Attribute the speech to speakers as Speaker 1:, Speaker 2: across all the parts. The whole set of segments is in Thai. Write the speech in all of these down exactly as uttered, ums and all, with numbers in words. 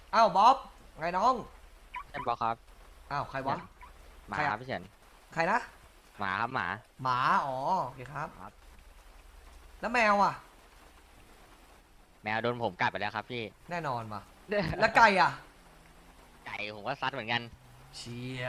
Speaker 1: อ้าวบ๊อบไงน้อง
Speaker 2: เอ็มบอกครับ
Speaker 1: อ้าวใครวะ
Speaker 2: หมา
Speaker 1: ใคร
Speaker 2: ครั
Speaker 1: อะ
Speaker 2: บพี่เฉิน
Speaker 1: ใครนะ
Speaker 2: หมาครับหมา
Speaker 1: หมาอ๋อโอเคครับ
Speaker 2: ครับ
Speaker 1: แล้วแมวอ่ะ
Speaker 2: แมวโดนผมกัดไปแล้วครับพี่
Speaker 1: แน่นอนมาแล้วไก่อ่ะ
Speaker 2: ไก่ผมก็ซัดเหมือนกัน
Speaker 1: เชีย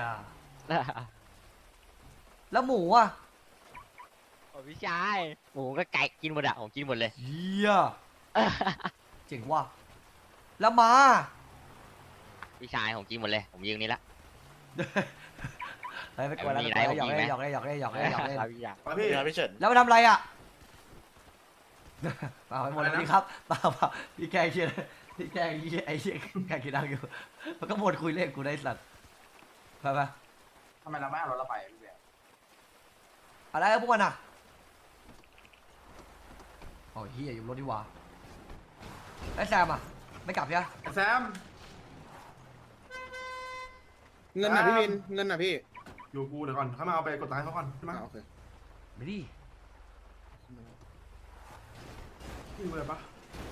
Speaker 1: แล้วหมูอ่ะ
Speaker 2: โอ้พี่ชายหมูก็ไก่กินหมดอะผมกินหมดเลย
Speaker 1: เชียเจ๋งว่ะแล้วหมา
Speaker 2: พี่ชายผมกินหมดเลยผมยิงนี่ละ
Speaker 1: เฮ้ยไม่กลัวแล้ว
Speaker 2: มี
Speaker 1: ไม่
Speaker 2: ไหน
Speaker 1: กลัวแล้วหยอก
Speaker 2: ผมมี
Speaker 1: เล่น
Speaker 2: ไหม
Speaker 1: หยอกเล่นหยอกเล่นหยอกเล่นหยอกเล่นหยอกเล่น
Speaker 2: ครับพี่ชาย
Speaker 3: มาพี่ครับพี่เฉิน
Speaker 1: แล้วมาทำอะไรอ่ะเปล่าไปหมดแล้วนี่ครับเปล่าเปล่าพี่แกเชียร์พี่แกเชียร์ไอ้เชียแกกินดังอยู่มันก็หมดคุยเล่นกูได้สัตว์ไปไป
Speaker 3: ทำไมเราไม่เอารถเราไปพี่เบียร์
Speaker 1: อะไรพวกมันอ่ะโอ้ยเฮียอยู่รถดีกว่าไอ้แซมอ่ะไม่กลับใช่ไหม
Speaker 3: แซม
Speaker 4: เงินน่ะพี่วินเงินน่ะพี่
Speaker 3: อยู่กูเดี๋ยวก่อนเขามาเอาไปกดตังค์เขาก่อนใช่ไหม
Speaker 4: อ่าโอเค
Speaker 1: ไม่ดี
Speaker 3: พี่รู้เลยปะ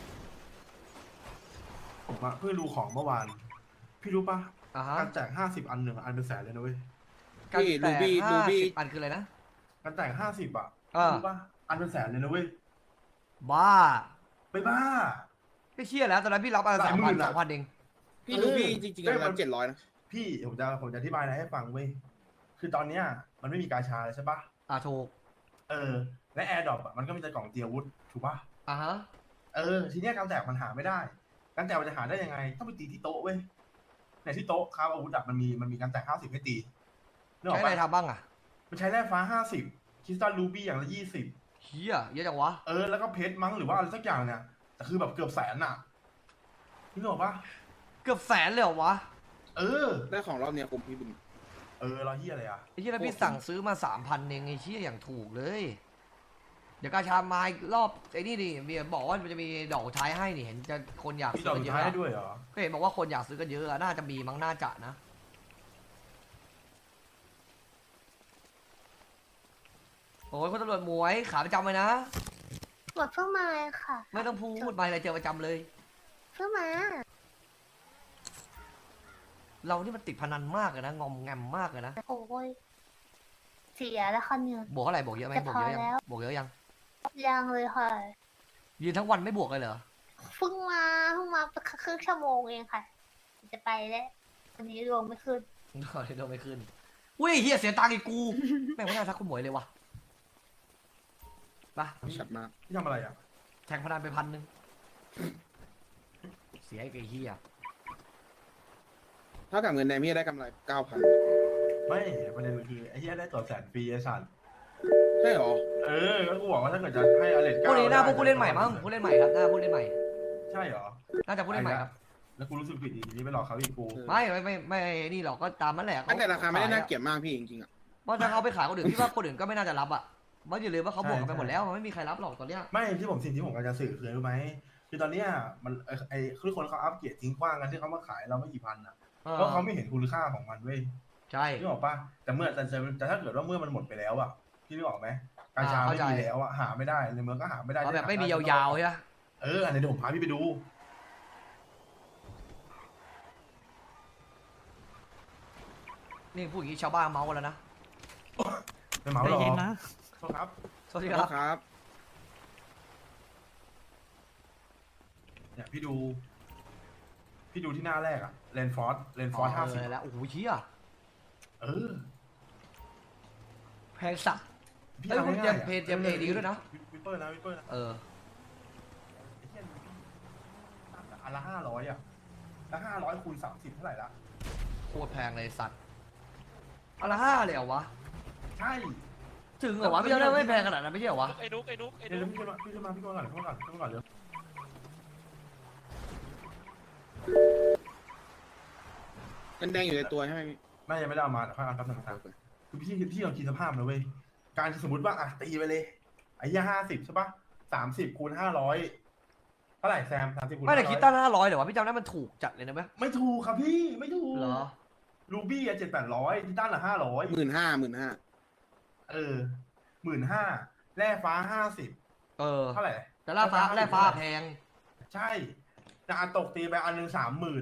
Speaker 3: ผมอะเพิ่งดูของเมื่อวาน พี่รู้ปะ
Speaker 1: อ่าฮะ
Speaker 3: การแจกห้าสิบอันหนึ่งอะอันเป็นแสนเลยนะเว้ย
Speaker 1: การ
Speaker 4: พี่
Speaker 1: แต
Speaker 4: ลู
Speaker 1: ก
Speaker 4: บี้ลู
Speaker 1: ห้า
Speaker 4: บี้
Speaker 1: สิบอันคืออะไรนะ
Speaker 3: การแจกห้าสิบอะ
Speaker 1: อ่า
Speaker 3: รู้ปะอันเป็นแสนเลยนะเว้ย
Speaker 1: บ้า
Speaker 3: ไปบ้า
Speaker 1: ไม่เชื่อแล้วตอนนั้นพี่รับอันละ
Speaker 3: ห
Speaker 1: สา
Speaker 3: ลาม ยหมื่
Speaker 1: พัน
Speaker 3: นอะ
Speaker 1: สองพันเอง
Speaker 4: พี่ลูบี้จริงๆ
Speaker 3: เอ้ย
Speaker 4: ประ
Speaker 3: มั
Speaker 4: มาน ณเจ็ดร้อยนะ
Speaker 3: พี่ผมจะผมจะอธิบายอะไรให้ฟังเว้ย คือตอนเนี้ยมันไม่มีกาชาเลยใช่ปะ
Speaker 1: อ่าถูก
Speaker 3: เออ และแอร์ดรอปอะมันก็มีแต่กล่องเตรียมอาวุธถูกปะ
Speaker 1: อ่าฮะ
Speaker 3: เออทีเนี้ยการแตกมันหาไม่ได้ การแตกมันจะหาได้ยังไง ต้องไปตีที่โต๊ะเว้ยในที่โต๊ะครับอาวุธอะมันมีมันมีการแตกห้าสิบให้ตีนึกออ
Speaker 1: ใช้
Speaker 3: ก
Speaker 1: อะไร
Speaker 3: ปะ
Speaker 1: ทำบ้างอ่ะ
Speaker 3: มันใช้แร่ฟ้าห้าสิบคริสตัลรูบี้อย่างละยี่สิบ
Speaker 1: เฮียเยอะจังวะ
Speaker 3: เออแล้วก็เพชรมั้งหรือว่าอะไรสักอย่างเนี่ยแต่คือแบบเกือบแสนอะนึกออกปะ
Speaker 1: เกือบแสนเลยเหรอวะ
Speaker 3: เออ
Speaker 4: ได้ของรอบเนี้ยผมพี่วิน
Speaker 3: เออเราเฮียอะไรอะ
Speaker 1: ไอ้ที่แล้วพี่สั่งซื้อมาสามพันเองไอ้เชี่ยอย่างถูกเลย เดี๋ยวกาชามาอีกรอบไอ้นี่ดิเบียร์บอกว่ามันจะมีดอกสุดท้ายให้นี่เห็นจะคนอยาก
Speaker 3: พี่
Speaker 1: ซื้
Speaker 3: ด
Speaker 1: อ
Speaker 3: อก
Speaker 1: กัน
Speaker 3: สุ
Speaker 1: เย
Speaker 3: ด
Speaker 1: อะ
Speaker 3: ท้าย
Speaker 1: อะ
Speaker 3: ให้ด้วยเหรอ
Speaker 1: ก็เห็นบอกว่าคนอยากซื้อกันเยอะอะน่าจะมีมั้งน่าจะนะโอ้ยคนตำรวจหมวยขาประจำเลยนะ
Speaker 5: หมดเพิ่งมาค่ะ
Speaker 1: ไม่ต้องพูดมาอะไรเจอประจำเลย
Speaker 5: เพิ่งมา
Speaker 1: เรานี่มันติดพนันมากเลยนะงอมแงมมากเลยนะ
Speaker 5: โอ้ยเสียแล้วค่ะเนี่ย
Speaker 1: บวกเท่าไหร่บวกเยอะไหม
Speaker 5: จะ
Speaker 1: บวก
Speaker 5: พอ
Speaker 1: เยอะยัง
Speaker 5: แล้ว
Speaker 1: บวกเยอะยัง
Speaker 5: ยังเลยค่ะ
Speaker 1: ยืนทั้งวันไม่บวกเลยเหรอ
Speaker 5: เพิ่งมาเพิ่งมาครึ่งชั่วโมงเองค่ะ จะไปแล้ววันนี้รวมไม่ขึ้น
Speaker 1: โดนโดนไม่ขึ้นอุ้ยเฮียเสียตังค์อีกกู แม่งไม่น่าทักคุณหมวยเลยวะไป
Speaker 4: ชัดมาก
Speaker 3: พี่ทำอะไรอะ
Speaker 1: แทงพนันไปพันหนึ่งเสียไอ้เฮีย
Speaker 4: เท่ากับเงินแดงพี่ได้กำไรเก้าพัน
Speaker 3: ไม่ประเด็นคือไอ้เฮียได้ตัวแสนฟรีไอ้สัตว์
Speaker 4: ใช่หรอ
Speaker 3: เออก็กูบอกว่าถ้าเกิดจะให้อเลน
Speaker 1: พว
Speaker 3: เก้าก
Speaker 1: นี้หน้าพวกผู้เล่นใหม่
Speaker 3: ได้
Speaker 1: มั้งผู้เล่นใหม่ครับหน้าผู้เล่นใหม่
Speaker 3: ใช่เหรอ
Speaker 1: น่าจะผู้เล่นใหม่ครับ
Speaker 3: แล้วกูรู้สึกผิดอีกทีนี้ไปหลอกเขาอีกกู
Speaker 1: ไม่ไม่ไม่ไม่นี่หรอกก็ตามนั่นแหละ
Speaker 4: อันแต่ราคาไม่ได้น่าเกลียดมากพี่จริงๆอ่ะ
Speaker 1: เพราะถ้าเขาไปขายคนอื่นพี่ว่าคนอื่นก็ไม่น่าจะรับอ่ะเพราะอย่าลืมว่าเขาบวกกันไปหมดแล้วมันไม่มีใครรับหรอกตอนเนี้ย
Speaker 3: ไม่ที่ผมสิ่งที่ผมกำลังจะสื่อคือรู้ไหมคือตอนเนี้ยมันไอ้ไอ้คือคนเขาอัปเกรดทิ้งกว้างกันที่เขามาขายเราไม่กี่พันอ่ะ
Speaker 1: เออ
Speaker 3: เพราะเขาไม่เห็นคุณค่าของมันเว้ย
Speaker 1: ใช่
Speaker 3: นึกออกปะแต่เมื่อแต่แต่แต่ถ้าเกิดว่าเมื่อมันหมดไปแล้วอ่ะพี่นึกออกไหมกาชาไม่มีแล้วอ่ะหาไม่ได้ในเมืองก็หาไม่ได้
Speaker 1: เขาแบบไม่มียาวๆใช่ไหม
Speaker 3: เอออันนี้เดี๋ยวผมพาพี่ไปดู
Speaker 1: นี่พูดอย่างนี้ชาวบ้านเมาส์กันแล้วนะ
Speaker 3: ไม่เหมาหรอโทษครับ
Speaker 1: สวัสดี
Speaker 4: ค
Speaker 1: ค
Speaker 4: รั
Speaker 1: รั
Speaker 4: บบ ครับ
Speaker 3: เนี่ยพี่ดู พี่ดูที่หน้าแรกอะเลนฟอร์ดเลนฟอร์ดห้าสิบ
Speaker 1: แล้วโอ้โหเชี่ย
Speaker 3: เออ
Speaker 1: แพงสัตว์ เอ้ยคุณเตรียมเพจเตรียมเพจดีด้วยนะ
Speaker 3: วิปเปอร์นะวิปเปอร์นะ
Speaker 1: เออ
Speaker 3: ไอ้เหี้ยอันละห้าร้อยอะแล้วห้าร้อยคูณสามสิบเท่าไหร่ละ
Speaker 1: โคตรแพงเลยสัตว์อันละห้าเลยเหรอวะ
Speaker 3: ใช่
Speaker 1: ถึงเหรอวะพี่จำได้ไม่แพงขนาดนั้นไม่ใช่เหรอวะ
Speaker 6: ไอ้นุกไอ้นุกไอ้
Speaker 3: เดี๋ยว
Speaker 6: นุก
Speaker 3: พี่ขึ้นมาพี่ขึ้นมาพี่ขึ้นมาก่อนขึ้นมาก่อนขึ้นมาก่อนเดี๋ยว
Speaker 4: เงินแดงอยู่ในตัวใช่ไหมพี่
Speaker 3: แม่ยังไม่ได้เอามาแต่ค่อยเอาครับหนึ่งครับคือพี่พี่ลองคิดสภาพนะเว้ยการสมมติว่าอ่ะตีไปเลยไอ้ยี่ห้าสิบใช่ปะสามสิบคูณห้าร้อยเท่าไหร่แซมสามสิบคูณ
Speaker 1: ไม่แต่
Speaker 3: ห้าร้อย
Speaker 1: คิดตั้งห้าร้อยเหรอวะพี่จำได้มันถูกจัดเลยนะเว้ย
Speaker 3: ไม่ถูกครับพี่ไม่ถูก
Speaker 1: เหรอ
Speaker 3: รูบี้อะเจ็ดแปดร้อยที่ด้านละห้าร้อย
Speaker 4: หมื่นห้าหมื่นห้า
Speaker 3: เออหมื่นห้าแร่ฟ้าห้าสิบ
Speaker 1: เออ
Speaker 3: เท่าไหร่
Speaker 1: แต่ล่าฟ้าแร่ฟ้าแพง
Speaker 3: ใช่จะอาตกตีไปอันหนึ่งสามหมื่น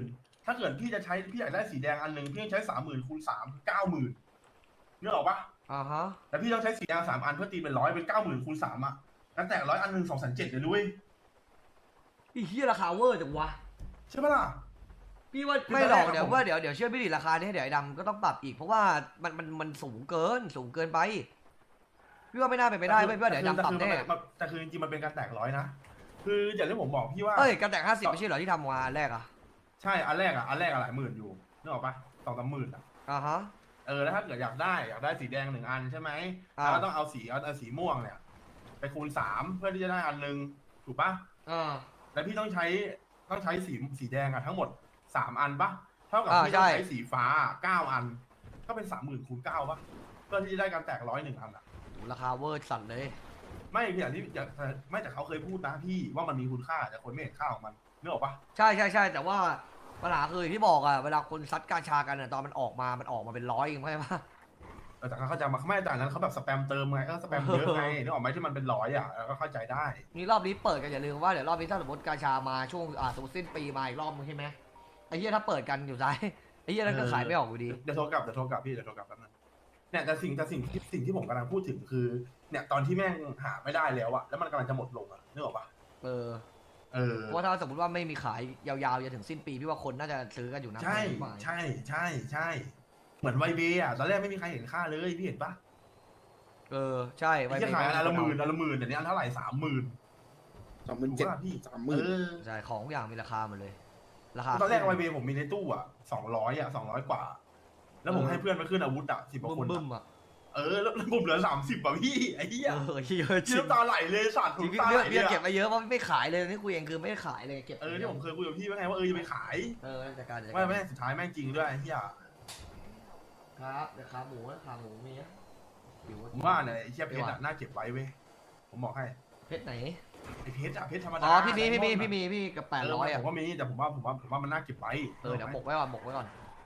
Speaker 3: ถ้าเกิดพี่จะใช้พี่อยากได้สีแดงอันหนึ่งพี่ต้องใช้สามหมื่นคูณสามเก้าหมื่นนึกออกปะ
Speaker 1: อ่าฮะ
Speaker 3: แต่พี่ต้องใช้สีแดงสามอันเพื่อตีเป็นร้อยเป็นเก้าหมื่นคูณสามอ่ะกันแตกร้อยอันหนึ่งสองแสนเจ็ดเลยด้วย
Speaker 1: ไอ้เฮียราคาเวอร์จังวะ
Speaker 3: ใช่ปะล่ะ
Speaker 1: พี่ว่า
Speaker 3: คือ
Speaker 1: ไม่หรอก
Speaker 3: ตอนแรกอะ
Speaker 1: เดี๋ยว
Speaker 3: ผม
Speaker 1: ว่าเดี๋ยวเดี๋ยวเชื่อพี่ดิราคานี้เดี๋ยวไอ้ดำก็ต้องปรับอีกเพราะว่ามันมันมันสูงเกินสูงเกินไปพี่ว่าไม่น่าเป็นไปได้เว้ยพี่ว่าเดี๋ยวไอ้ดำปรับแน่
Speaker 3: แต่คือจริงๆมันเป็นการแตกร้อยนะคืออย่างที่ผมบอกพี่ว่า
Speaker 1: เอ้ยกันแต่งห้าสิบไม่ใช่เหรอที่ทำมาอันแรกอะ
Speaker 3: ใช่อันแรกอ่ะอันแรกอะหลายหมื่นอยู่นึกออกปะสองสามหมื่นอ่ะ
Speaker 1: อ่าฮะ
Speaker 3: เออแล้วถ้าเกิดอยากได้อยากได้สีแดงหนึ่งอันใช่ไหม
Speaker 1: อ่า
Speaker 3: แล้วก็ต้องเอาสีเอาเอาสีม่วงเนี่ย ไปคูณสามเพื่อที่จะได้อันหนึ่งถูกปะ
Speaker 1: อ่า
Speaker 3: แล้วพี่ต้องใช้ต้องใช้สีสีแดงอ่ะทั้งหมดสามอันปะเท่ากับ
Speaker 1: อ่า
Speaker 3: พี่ต้อง
Speaker 1: ใช่
Speaker 3: ใช้สีฟ้าเก้าอัน ก็เป็นสามหมื่นคูณเก้าปะเพื่อที่จะได้การแตกร้อยหนึ่งอันอ่ะ
Speaker 1: ราคาเวอร์สั่นเลย
Speaker 3: ไม่พี่อย่างที่อย่างไม่แต่เขาเคยพูดนะพี่ว่ามันมีคุณค่าแต่คนไม่เห็นค่าของมันนึกออกปะ
Speaker 1: ใช่ใช่ใช่แต่ว่าปัญหาคือที่บอกอะเวลาคนซัดกาชากันอะตอนมันออกมามันออกมาเป็นร้อยเองใช่ปะ
Speaker 3: เออแต่เขาจะมาไม่แต่อันนั้นเขาแบบสแปมเติมไงก็สแปมเยอะไงนึกออกไหมที่มันเป็นร้อยอ่ะแล้วก็เข้าใจได้
Speaker 1: นี่รอบนี้เปิดกันอย่าลืมว่าเดี๋ยวรอบนี้ถ้าสมมติกาชามาช่วงอ่าสมมติสิ้นปีมาอีกรอบนึงใช่ไหมไอ้เหี้ยถ้าเปิดกันอยู่ซ้ายไอ้เหี้ยนั่นก็ขายไม่ออกอยู่ดี
Speaker 3: เดี๋ยวโทรกลับเดี๋ยวโทรกลับพี่เดี๋ยวโทรกลับแป๊บนึงเนี่ยแต่สิ่งแต่สิ่งที่สิ่งที่ผมกำลังพูดถึงคือ เนี่ยตอนที่แม่งหาไม่ได้แล้วอะแล้วมันกำลังจะหมดลงอะนึกออกปะ
Speaker 1: เออ
Speaker 3: เออ
Speaker 1: เพราะว่าถ้าสมมติว่าไม่มีขายยาวๆจนถึงสิ้นปีพี่ว่าคนน่าจะซื้อกันอยู่นะ
Speaker 3: ใช่
Speaker 1: ไม่
Speaker 3: ใช่ใช่ใช่เหมือนไวเบย์อะตอนแรกไม่มีใครเห็นค่าเลยพี่เห็นปะ
Speaker 1: เออใช่
Speaker 3: ไอ้ที่ขายอันละหมื่นอันละหมื่นแต่นี้อันเท่าไหร่สามหมื่น
Speaker 4: สองหมื่น
Speaker 3: ถูก
Speaker 4: เจ็ด
Speaker 3: ปะพี่
Speaker 4: สามห
Speaker 3: เอ
Speaker 4: มื่น
Speaker 3: อ
Speaker 1: ใช่ของทุกอย่างมีราคาหมดเลย ราคา
Speaker 3: ตอนแรกไวเบย์ผมมีในตู้อะสองร้อยอะสองร้อยกว่า แล้วผมให้เพื่อนมาขึ้นอาวุธอะสิบกว่าคน
Speaker 1: บึ้
Speaker 3: อะ
Speaker 1: มๆอ่ะ
Speaker 3: เออแล้วผมเหลือสามสิบอะพี่ไอ้เหี้ย
Speaker 1: เออเยอะจริ
Speaker 3: ที่
Speaker 1: ง
Speaker 3: น้ำตาไหลเลยสัตว์
Speaker 1: จริง
Speaker 3: น้ำตาไหล
Speaker 1: เบี้ย
Speaker 3: เลย
Speaker 1: เก็บ
Speaker 3: อะ
Speaker 1: มาเยอะเพราะไม่ขายเลยนี่คุยเองคือไม่ได้ขายเลยเก็บ
Speaker 3: เออที่ผมเคยคุยกับพี่ว่าไงว่าเออจะไปขาย
Speaker 1: เออจัดการจัด
Speaker 3: ไม่
Speaker 1: การ
Speaker 3: ไม่สุดท้ายแม่งจริงด้วยไอ้เหี้ย
Speaker 1: ครับเดี๋ยวขาหมูนะขาหมูมีนะอยู่
Speaker 3: ผมว่าเนี่ยไอ้เหี้ยเพชรอะน่าเก็บไว้เว้ยผมบอกให้
Speaker 1: เพชรไหน
Speaker 3: ไอ้เพชรอะเพชรธรรมดา
Speaker 1: อ๋อพี่มีพี่มีพี่มีพี่กับแปดร้อย
Speaker 3: เผ
Speaker 1: อ่ะ
Speaker 3: มว่ามีแต่ผมว่าผมว่าผมว่ามันน่าเก็บไว้
Speaker 1: เออเดี๋ยวหมกไว้ก่อนหมกไว้ก่อน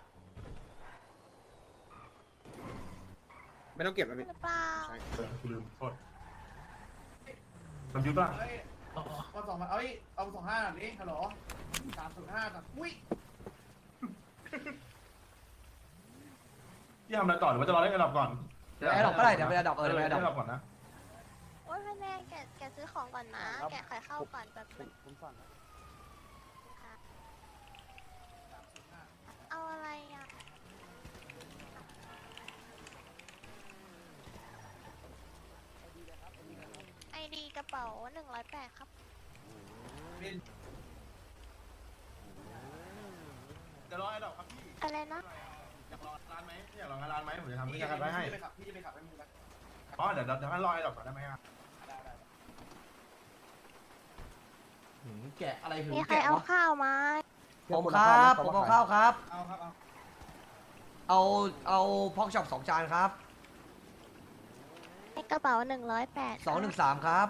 Speaker 4: ไม่ต้องเก็บแล้วพี่
Speaker 5: หรือเปล่า
Speaker 4: ใช่
Speaker 3: เออกูลืมโทษลำยุทธ์ป่ะ
Speaker 6: เอ้ยเอาสองมาเอ้ย เอาสองห้าหน่อยดิฮัลโหลสามศูนย์ห้าก่อนอุ้ย
Speaker 3: พี่ทำอะไรต่อหรือว่าจะรอเล่นกระดับก่อน
Speaker 1: เดี๋ยวไอ้ดอกก็ได้เดี๋ยวไปไอ้ดอกเออ
Speaker 3: เอ
Speaker 1: เดี๋
Speaker 3: อ
Speaker 1: ยวไป
Speaker 3: เล่
Speaker 1: ไอ้
Speaker 3: น
Speaker 1: ด
Speaker 3: ก
Speaker 1: อก
Speaker 3: ระดับก่อนนะ
Speaker 5: โอ้ยพ่อแม่แกแกซื้อของก่อนนะ แกขายข้าวก่อนแบบนึง
Speaker 6: ผมสั่ง
Speaker 5: เอาอะไรอ่ะ ไอดีกระเป๋าหนึ่งร้อยแปดครับ
Speaker 3: จะรอไอ้ดอกครับพี่
Speaker 5: อะไรนะ
Speaker 3: อยากรอร้านไหมอยากรองานร้านไหมผมจะทำ
Speaker 6: พี่
Speaker 3: กิจการไว้ให้
Speaker 6: จะไปขับพี่จะไปขับให้มึงนะ
Speaker 3: อ๋อเดี๋ยวเดี๋ยวให้รอไอ้ดอกก่อนได้ไหมอ่ะ
Speaker 6: ได้ได้
Speaker 1: หืมแกะอะไรหืม
Speaker 5: มีใคร
Speaker 1: แกะ
Speaker 5: เอา
Speaker 1: วะ
Speaker 5: ข้าวมา
Speaker 1: ผมครับผมเอาข้าวครับ
Speaker 6: เอาครับเอา
Speaker 1: เอาเอาพอกช็อปสองจานครับ
Speaker 5: กระเป๋าหนึ่งร้อยแปด
Speaker 1: สองหนึ่งสามครับ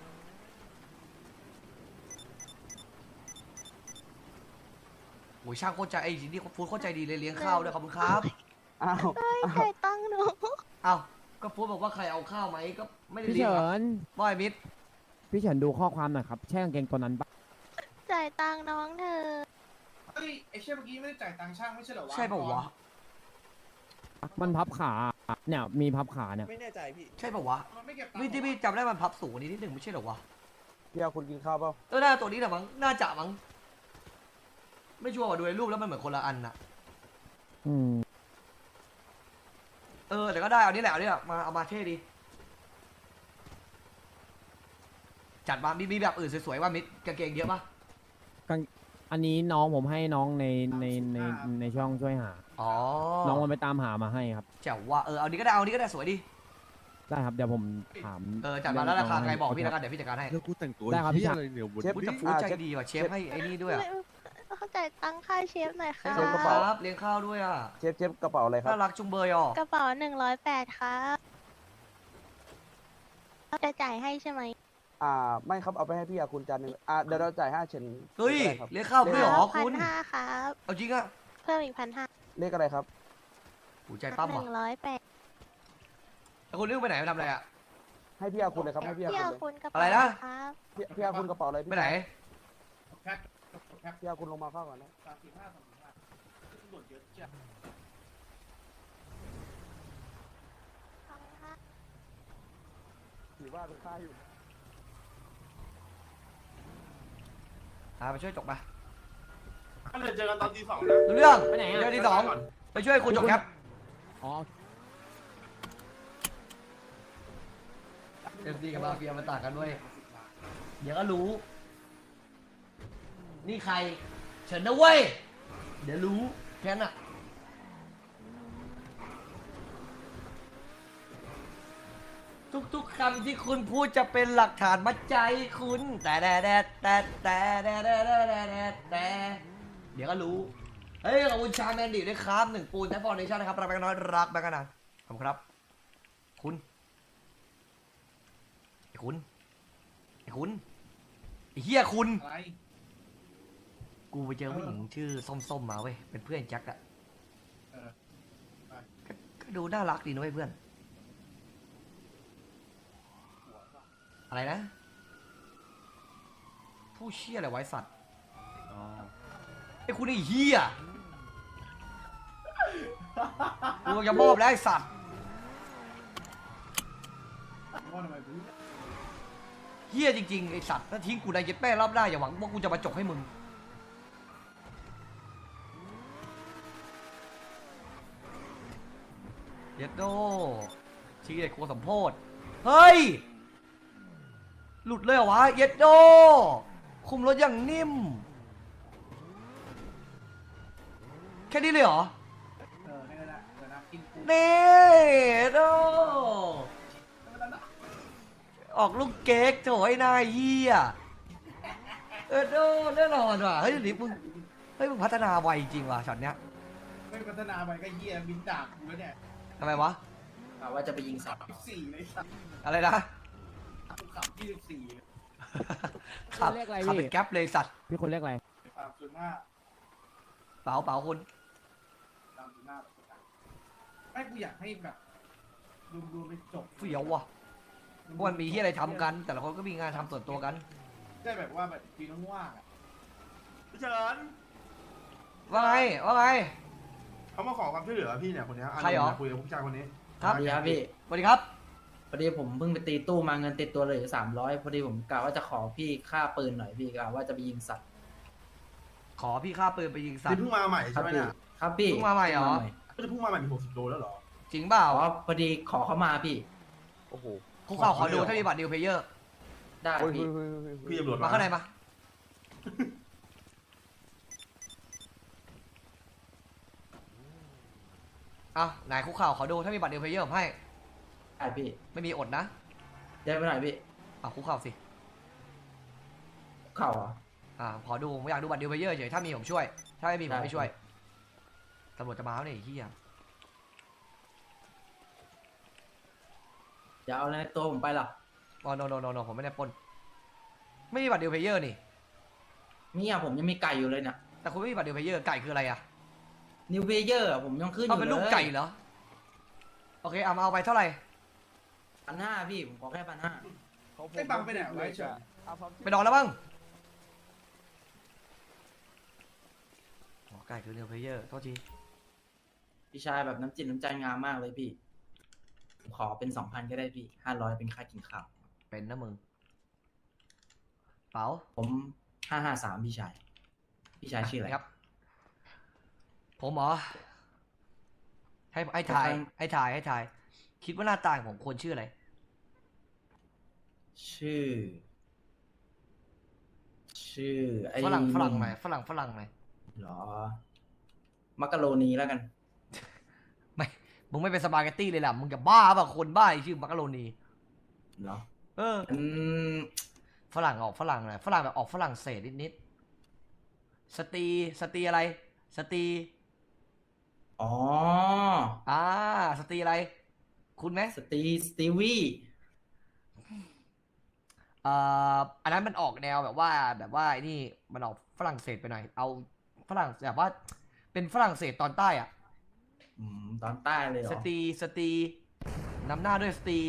Speaker 1: โอ้ยช่างโคตรใจไอ้นี่ฟูดโคตรใจดีเลยเลี้ยงข้าวด้วยขอบคุณครับ
Speaker 7: อ้าว
Speaker 5: เฮ้ยจ่ายตังค์หนู
Speaker 1: เอ้าก็ฟูดบอกว่าใครเอาข้าวไหมก็ไม่ได้
Speaker 7: พี่
Speaker 1: เลี้ยง
Speaker 7: เฉิ
Speaker 1: อะ
Speaker 7: น
Speaker 1: บ่อยมิด
Speaker 7: พี่เฉินดูข้อความหน่อยครับ ใช่กางเกงตัวนั้นปะ
Speaker 5: จ่ายตังค์น้องเธอ
Speaker 6: เฮ้ยไอ้เชี่ยเมื่อกี้ไม่ได้จ่ายตังค์ช่างไม่ใช่เหรอวะ
Speaker 1: ใช่ป่าวะ
Speaker 7: มันพับขา เนี่ย มีพับขาเนี่ย
Speaker 8: ไม่แน่ใจพี่
Speaker 1: ใช่ป่าวะ
Speaker 6: มันไม่เก็บตังค์
Speaker 1: พี่ที่พี่จำได้มันพับสูงกว่านี้นิดหนึ่งไม่ใช่เหรอวะ
Speaker 8: พี่เอาคุณกินข้าวเปล่า
Speaker 1: เออน่าตัวนี้แหละมั้งน่าจะมั้งไม่ชัวร์ว่าดูในรูปแล้วมันเหมือนคนละอันน่ะ
Speaker 7: อืม
Speaker 1: เออแต่ก็ได้เอานี่แหละเอานี่แหละมาเอามาเท่ดีจัดมามีมีแบบอื่นสวยๆว่ามิดกางเกงเยอะปะ
Speaker 7: อันนี้น้องผมให้น้องในในในในช่องช่วยหา
Speaker 1: อ๋อ
Speaker 7: น้องมันไปตามหามาให้ครับ
Speaker 1: แจ๋วว่าเออเอานี้ก็ได้เอานี้ก็ได้สวยดี
Speaker 7: ได้ครับ เดี๋ยวผมถาม
Speaker 1: เออจัดมาแล้วราคาใครบอกพี่แล้วกันเดี๋ยวพี่จัดการให้
Speaker 9: แล้วกูแต่งตัว
Speaker 7: ได้ครับพี่ชาย
Speaker 9: เหี้ยอะไรเนี่ยวัน
Speaker 8: เชฟ
Speaker 1: พูด
Speaker 8: พี่
Speaker 1: จะฟูด
Speaker 8: อ่า
Speaker 1: ใจ
Speaker 8: เชฟ
Speaker 1: ดีว่ะเชฟให้ไอ้นี่ด้วยอะ
Speaker 5: เข้าใจายตังค่าเชฟหน่อยค่ะ
Speaker 1: ขอบคุณครับเลี้ยงข้าวด้วยอ่ะ
Speaker 8: เชฟเชฟกระเป๋าอะไรครับ
Speaker 1: น่ารักจุงเบยอ่ะ
Speaker 5: กระเป๋าหนึ่งร้อยแปดครับจะจ่ายให้ใช่ไหม
Speaker 8: อ่า ไม่ครับ เอาไปให้พี่อาคุณจานหนึ่งอ่าเดี๋ยวเราจ่ายห้าเชน
Speaker 1: เฮ้ย
Speaker 8: เลขอะไรครับ
Speaker 1: เลี้ยงข้าวด้วยเหรอ
Speaker 5: พั
Speaker 1: คุ
Speaker 5: น
Speaker 1: ณ
Speaker 5: ห้าครับ
Speaker 1: เอาจริงอ่ะ
Speaker 5: เพิ่มอีกพันห้า
Speaker 8: เลขอะไรครับ
Speaker 1: หูใจปั้ม
Speaker 5: ห
Speaker 1: ว่ะ
Speaker 5: นึ่งร้อยแปด
Speaker 1: แล้วคุณเรื่องไปไหนไปทำอะไรอ่ะ
Speaker 8: ให้พี่อาคุณเลยครับ ให้พี่อา
Speaker 5: พี่
Speaker 8: คุณ
Speaker 5: เอา
Speaker 8: เลย
Speaker 5: คุณกระ
Speaker 1: อะ
Speaker 5: เป๋า
Speaker 1: ไรนะ
Speaker 5: ครับ
Speaker 8: พี่พี่อาคุณกระเป๋าอะไรพี่
Speaker 1: ไปไหน
Speaker 6: แพ็คแพ็ค
Speaker 8: พี่อาคุณลงมาเข้าก่อนนะ
Speaker 6: สามสิบห้าสามสิบห้าตรวจเยอะจัง
Speaker 8: ถือว่าเป็นค่าอยู่
Speaker 1: อ่าไปช่วยจบไป
Speaker 3: ก็เลยเจอกันตอนตีสองนะ
Speaker 1: รู้เรื่อง
Speaker 7: ไปไหนอะ
Speaker 1: เดี๋ยวที่สองไปช่วยคุณจบครับ
Speaker 7: อ๋อ
Speaker 1: เอฟซีกับมาเฟียมันต่างกันด้วย เดี๋ยวก็รู้ นี่ใคร เฉินนะเว้ย เดี๋ยวรู้แค่นั้นอะทุกๆคำที่คุณพูดจะเป็นหลักฐานมัดใจคุณ แต่แต่แต่แต่แต่แต่แต่แต่แต่แต่เดี๋ยวก็รู้ เฮ้ยขอบคุณชาแมนดิด้วยครับหนึ่งปูนแทฟฟอร์เนชั่นนะครับรักแบงค์น้อยรักแบงค์นานขอบคุณครับ คุณไอ้คุณไอ้คุณไอ้เฮียคุณ
Speaker 6: อะไร
Speaker 1: กูไปเจอผู้หญิงชื่อส้มๆมาเว้ย เป็นเพื่อนแจ็คอะ
Speaker 6: เออไป
Speaker 1: ก็ก็ดูน่ารักดีนะเว้ยเพื่อน
Speaker 6: หัวป่ะ
Speaker 1: อะไรนะ ผู้เชี่ยอะไรไว้สัตว์ไอ้คุณไอ้เฮียกูจะมอบแล้วไอ้สัตว์
Speaker 6: ว่าทำไมกู
Speaker 1: เฮียจริงๆไอ้สัตว์ถ้าทิ้งกูในเย็ดแป้รอบหน้าอย่าหวังว่ากูจะมาจกให้มึง เย็ดโดชีเด็กโคสมโพธเฮ้ย หลุดเลยเหรอวะ เย็ดโด คุมรถอย่างนิ่ม แค่นี้เลยเหรอ
Speaker 6: เออให้ละเดี๋ยวนะกินกู
Speaker 1: นี่โด ออกลูกเก๊กโถไอ้นายเฮียเออโดแน่นอนว่ะ เฮ้ยเดี๋ยวนี้มึง เฮ้ยมึงพัฒนาไวจริงว่ะช็อตเนี้ย
Speaker 6: ไม่พัฒนาไปก็เหี้ยบินดาบกูแล้วเนี่ย
Speaker 1: ทำไมวะ
Speaker 4: ว่าจะไปยิงสัตว์
Speaker 6: สิบสี่เลยสัตว์
Speaker 1: อะไรนะ
Speaker 6: กูขับยี่สิบสี่
Speaker 1: ขับ
Speaker 7: เรียกอะไร
Speaker 1: ขับ
Speaker 7: พี่
Speaker 1: เป็นแก๊ปเลยสัตว์
Speaker 7: พี่คนเรียกอะไร
Speaker 6: สามจุดห้า
Speaker 1: เป๋าเป๋าคุณ
Speaker 6: สามจุดห้าไม่กูอยากให้แบบดูดูไปจบ
Speaker 1: เฟี้ยวว่ะพวกมันมีที่อะไรทำกัน แต่ละคนก็มีงานทำส่วนตัวกัน
Speaker 6: ได้แบบว่าแบบปีน้องว่างอ่ะ
Speaker 3: พี่เฉิน
Speaker 1: ว่าไง ว่าไง
Speaker 3: เขามาขอความช่วยเหลือพี่เนี่ยคนเนี้ยะ
Speaker 1: ใครเหรอ
Speaker 3: คุยกับผู้ชายคนนี้
Speaker 1: ครับ
Speaker 9: สวัสดีครับพี่
Speaker 1: สวัสดีครับ
Speaker 9: พอดีผมเพิ่งไปตีตู้มาเงินติดตัวเหลยสามร้อยพอดีผมกะว่าจะขอพี่ค่าปืนหน่อยพี่กะว่าจะไปยิงสัตว์
Speaker 1: ขอพี่ค่าปืนไปยิงสัต
Speaker 3: นี่
Speaker 1: ว์
Speaker 3: เพิ่งมาใหม่
Speaker 9: ครั
Speaker 3: ใช่ไหม
Speaker 9: พี่
Speaker 3: เนี่ย
Speaker 9: ครับพี่
Speaker 1: เพิ่งมาใหม่เหรอ
Speaker 3: ก็จะเพิ่งมาใหม่มีหกสิบโลแล้วเหรอ
Speaker 1: จริงเปล่า
Speaker 9: อ๋อพอดีขอเข้ามาพี่
Speaker 2: โอ้โห
Speaker 1: คุกเข่าขอดู
Speaker 3: ขอเลยเหรอ
Speaker 1: ถ้ามีบัตรดิวเพลเยอร์
Speaker 9: ได้
Speaker 8: โอ้ย
Speaker 9: พี่
Speaker 8: เฮ้ยเฮ้ยเฮ้ยเฮ้ย
Speaker 3: พี่ตำรวจ
Speaker 1: มาข้างในมา เอาไหนคุกเข่าขอดูถ้ามีบัตรดิวเพลเยอร์ผมให้
Speaker 9: ได้พี่
Speaker 1: ไม่มีอดนะ
Speaker 9: ได้ไปหน่อยพี่
Speaker 1: เอาคุกเข่าสิ
Speaker 9: เข่าเหรอ
Speaker 1: อ่าขอดูผมอยากดูบัตรดิวเพลเยอร์เฉยถ้ามีผมช่วย ถ้าไม่มีผม
Speaker 9: ได้
Speaker 1: ไม่ช่วยตำรวจจะมาแล้วเนี่ยไอ้เฮีย
Speaker 9: อย่าเอาอะไรในตัวผมไปหรอก
Speaker 1: อ๋อโนโนโนโนผมไม่ได้ปล้นไม่มีบัตรดิวเพลเยอร์นี่
Speaker 9: เนี่ยผมยังมีไก่อยู่เลยเนี่ย
Speaker 1: แต่คุณไม่มีบัตรดิวเพลเยอร์ไก่คืออะไรอะ
Speaker 9: นิวเพเยอร์ผมยังขึ้นอ
Speaker 1: เอา
Speaker 9: ยู่
Speaker 1: เป็น
Speaker 9: เลย
Speaker 1: ลูกไก่เหรอโอเคเอามาเอาไปเท่าไหร่
Speaker 9: พันห้าพี่ผมขอแค่พันห้า
Speaker 8: ของผม
Speaker 6: ไอ้บังไปไหนไว้เฉย
Speaker 8: เอาความ
Speaker 1: ไปนอนแล้วบ้างอ๋อไก่คือดิวเพลเยอร์โทษที
Speaker 9: พี่ชายแบบน้ำจิตน้ำใจงามมากเลยพี่ผมขอเป็นสองพันก็ได้พี่ห้าร้อยเป็นค่ากินข้าว
Speaker 1: เป็นนะมึงเป๋า
Speaker 9: ผมห้าห้าสามพี่ชาย พี่ชายชื่ออะไร
Speaker 1: ครับ ผมเหรอให้ให้ถ่ายให้ถ่ายให้ถ่าย คิดว่าหน้าตาของผมควรชื่ออะไร
Speaker 9: ชื่อ ชื่อไอ้
Speaker 1: ฝรั่งฝรั่ง
Speaker 9: หนุ่ม
Speaker 1: หน่อยฝรั่งฝรั่งหน่อย
Speaker 9: เหรอ มักกะโรนีแล้วกัน
Speaker 1: ไม่มึงไม่เป็นสปาเกตตี้เลยล่ะมึงจะบ้าป่ะคนบ้าไอ้ชื่อมักกะโรนี
Speaker 9: เหรอ
Speaker 1: เออ
Speaker 9: อืม
Speaker 1: ฝรั่งออกฝรั่งหน่อยฝรั่งแบบออกฝรั่งเศสนิดๆสตรีสตรีอะไร สตรี
Speaker 9: อ๋อ
Speaker 1: อ่าสตรีอะไร คุณไหม
Speaker 9: สตีสตีวี
Speaker 1: เอ่ออันนั้นมันออกแนวแบบว่าแบบว่าไอ้นี่มันออกฝรั่งเศสไปหน่อย เอาฝรั่งแบบว่าเป็นฝรั่งเศสตอนใต้อะ
Speaker 9: อืม ตอนใต้เลยเหรอ
Speaker 1: สตรีสตรีนำหน้าด้วยสตรี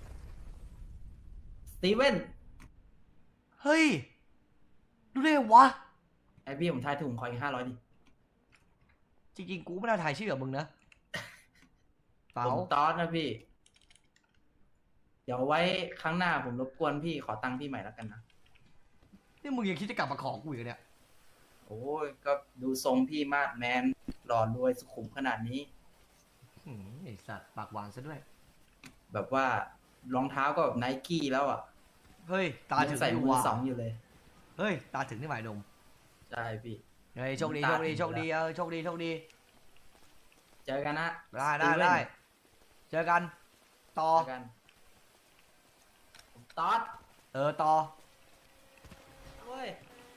Speaker 9: สตีเวน
Speaker 1: เฮ้ยรู้ได้ไงวะ
Speaker 9: ไอพี่ผมทายถูกผมขออีกห้าร้อยดิ
Speaker 1: จริงๆกูไม่น่าถ่ายชื่อกับมึงนะเปล่า
Speaker 9: ผมตอสนะพี่ เดี๋ยวไว้ครั้งหน้าผมรบกวนพี่ขอตังค์พี่ใหม่แล้วกันนะ
Speaker 1: นี่มึงยังคิดจะกลับมาขอกูอีกเหรอเนี่ย
Speaker 9: โอ้ยก็ดูทรงพี่มาดแมนหล่อรวยสุขุมขนาดนี้
Speaker 1: หืมไอสัตว์ปากหวานซะด้วย
Speaker 9: แบบว่ารองเท้าก็แบบไนกี้แล้วอ่ะ
Speaker 1: เฮ้ยตาถึ
Speaker 9: ยัง
Speaker 1: ง
Speaker 9: ใส่
Speaker 1: อยู่
Speaker 9: มือ
Speaker 1: ว่ะ
Speaker 9: สองอยู่เลย
Speaker 1: เฮ้ยตาถึงนี่หมายนม
Speaker 9: ใช่พี่
Speaker 1: เฮ้ยโชคดี
Speaker 9: ตา
Speaker 1: โชคดี
Speaker 9: ถึง
Speaker 1: โชคดี
Speaker 9: อยู่แล้ว
Speaker 1: เออโชคดีโชคดี
Speaker 9: เจอกันนะ
Speaker 1: ได้ได้
Speaker 9: สตีเวน
Speaker 1: ได้เจอกันต่อ
Speaker 9: เจอกันผมตอส
Speaker 1: เออต่อ
Speaker 9: เว้ย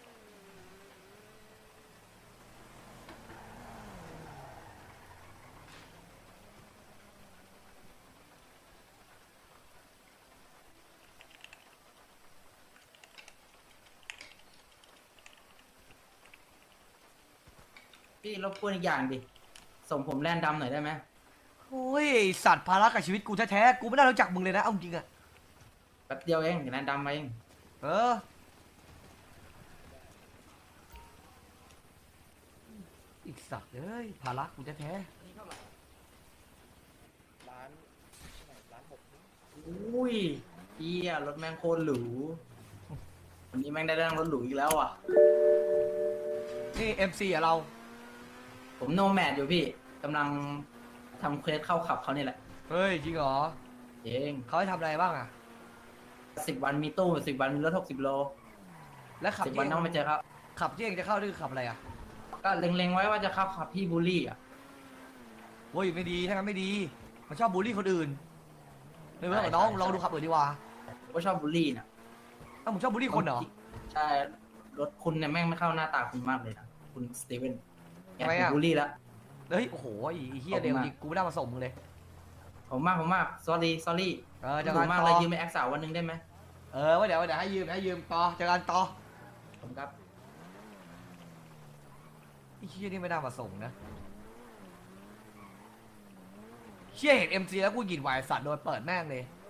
Speaker 9: พี่รบกวนอีกอย่างดิ ส่งผมแลนดำหน่อยได้ไหม
Speaker 1: โอ้ยไอ้สัตว์ภาระกับชีวิตกูแท้ๆกูไม่น่ารู้จักมึงเลยนะเอาจริงอะ
Speaker 9: แป๊บเดียวเองเดี๋ยวแลนดำมาเอง
Speaker 1: เอออีกสัตว์เอ้ยภาระกูแท้
Speaker 9: อุ้ยเฮียรถแม่งโคตรหรูวันนี้แม่งได้นั่งรถหรูอีกแล้วอ่ะ
Speaker 1: ๆนี่เอ็มซีอะเรา
Speaker 9: ผมโนแมดอยู่พี่กำลังทำเควสเข้าขับเขานี่แหละ
Speaker 1: เฮ้ยจริงเหรอ
Speaker 9: เอง
Speaker 1: เขาให้ทำอะไรบ้างอะ
Speaker 9: สิบวันมีตู้สิบวันมีรถหกสิบโล
Speaker 1: แล้วขับ
Speaker 9: สิบ
Speaker 1: ที่
Speaker 9: วันต้องไปเจอเขา
Speaker 1: ขับที่เองจะเข้านี่คือขับอะไรอะ
Speaker 9: ก็เล็งๆไว้ว่าจะเข้าขับพี่บูลลี่อ่ะ
Speaker 1: โอ้ยไม่ดีถ้างั้นไม่ดีมันชอบบูลลี่คนอื่นไม่เมื่อกับ
Speaker 9: ใช่
Speaker 1: น้อง
Speaker 9: ใช่
Speaker 1: ลองดูขับอื่นดีกว่า
Speaker 9: ผมก็ชอบบูลลี่นะ
Speaker 1: อ้าวมึงชอบบูลลี่คนเหรอ
Speaker 9: ใช่รถคุณเนี่ยแม่งไม่เข้าหน้าตาคุณมากเลยนะคุณสตีเวนแก
Speaker 1: ทำไม
Speaker 9: ถู
Speaker 1: อะ
Speaker 9: กบูลลี่แล้ว
Speaker 1: เฮ้ยโอ้โหไอ้เฮีย
Speaker 9: ขอบคุณ
Speaker 1: เร็ว
Speaker 9: มาก
Speaker 1: จริงกูไม่ได้มาส่งมึงเลย
Speaker 9: ผมมากผมมาก sorry sorry
Speaker 1: เออ
Speaker 9: จะ
Speaker 1: เจะกั
Speaker 9: ถู
Speaker 1: น
Speaker 9: กมาก
Speaker 1: ต่
Speaker 9: เลย
Speaker 1: อ
Speaker 9: ยืมไปแอคสาววันหนึงได้ไหม
Speaker 1: เออว่าเดี๋ยวว่าเดี๋ยวให้ยืมให้ยืมต่อเจอกันต่อ
Speaker 9: ผมครับ
Speaker 1: ไอ้เฮียนี่ไม่ได้มาส่งนะเฮียเห็นเอ็มซีแล้วกูหยินวายสัตว์โดนเปิดแม่งเลย